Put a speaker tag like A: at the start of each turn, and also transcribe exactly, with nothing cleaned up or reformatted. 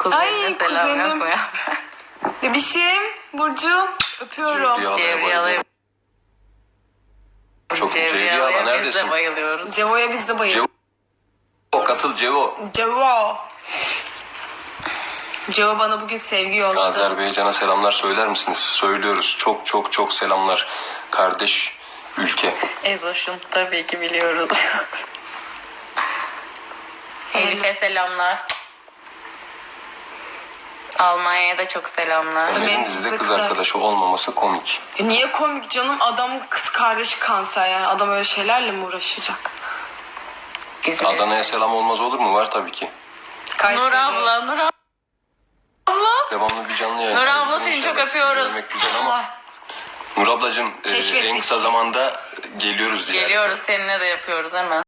A: Kuzenine
B: Ay,
A: selam
B: kuzenim.
A: yok mu ya?
B: Bebişim, Burcu, öpüyorum.
C: Cevriye
A: Cevriye
C: bayılıyorum.
A: alayım.
C: Çok
A: Cevriye
C: Cevriye abla
A: alayım. Biz
C: neredesin?
A: de bayılıyoruz.
B: Cevo'ya biz de bayılıyoruz.
C: Cevo katıl Cevo.
B: Cevo. Cevo bana bugün sevgi yolladı.
C: Azerbaycan'a selamlar söyler misiniz? Söylüyoruz. Çok çok çok selamlar. Kardeş ülke.
A: Ezoş'un tabii ki biliyoruz. Elif'e selamlar. Almanya'ya da çok selamlar.
B: Ömer-
C: Ömer'in
B: kızı
C: dizide kız
B: kız
C: arkadaşı olmaması komik.
B: E niye komik canım? Adamın kız kardeşi kanser yani. Adam öyle şeylerle mi uğraşacak?
A: İzmir.
C: Adana'ya selam olmaz olur mu? Var tabii ki.
B: Kayseri.
A: Nur abla, Nur abla.
C: Devamlı bir canlı yayın.
A: Nur abla seni
C: İnşallah
A: çok
C: sizi
A: öpüyoruz.
C: görmek güzel ama Nur ablacığım e,
B: Keşfettik.
C: en kısa zamanda geliyoruz diye.
A: Geliyoruz, seninle de yapıyoruz hemen.